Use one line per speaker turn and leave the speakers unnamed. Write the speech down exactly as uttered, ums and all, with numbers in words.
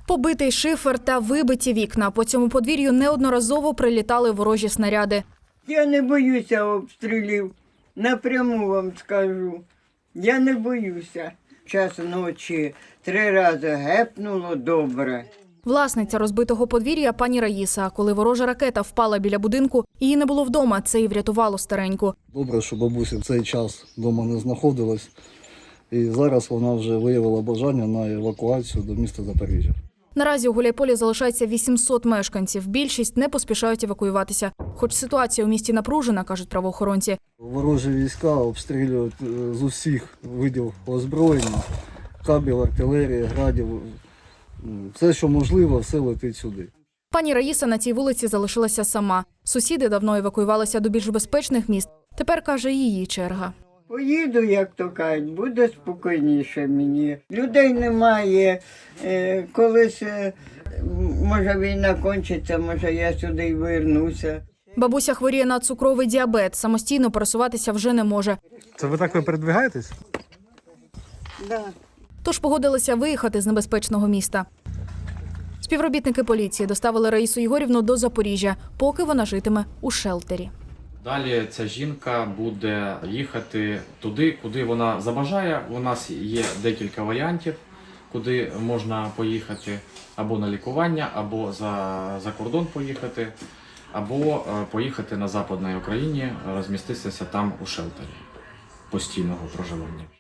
Побитий шифер та вибиті вікна. По цьому подвір'ю неодноразово прилітали ворожі снаряди.
Я не боюся обстрілів, напряму вам скажу. Я не боюся. Час ночі три рази гепнуло добре.
Власниця розбитого подвір'я пані Раїса. Коли ворожа ракета впала біля будинку, її не було вдома, це і врятувало стареньку.
Добре, що бабуся в цей час вдома не знаходилась. І зараз вона вже виявила бажання на евакуацію до міста Запоріжжя.
Наразі у Гуляйполі залишається вісімсот мешканців. Більшість не поспішають евакуюватися. Хоч ситуація у місті напружена, кажуть правоохоронці.
Ворожі війська обстрілюють з усіх видів озброєння, кабів, артилерії, градів. Все, що можливо, все летить сюди.
Пані Раїса на цій вулиці залишилася сама. Сусіди давно евакуювалися до більш безпечних міст. Тепер, каже, її черга.
Поїду, як то кажуть, буде спокійніше мені. Людей немає. Е, колись, е, може, війна кончиться, може, я сюди й вернуся.
Бабуся хворіє на цукровий діабет. Самостійно пересуватися вже не може.
Це ви так ви передвигаєтесь?
Да.
Тож погодилися виїхати з небезпечного міста. Співробітники поліції доставили Раїсу Єгорівну до Запоріжжя, поки вона житиме у шелтері.
Далі ця жінка буде їхати туди, куди вона забажає. У нас є декілька варіантів, куди можна поїхати або на лікування, або за, за кордон поїхати, або поїхати на Западній Україні, розміститися там у шелтері постійного проживання.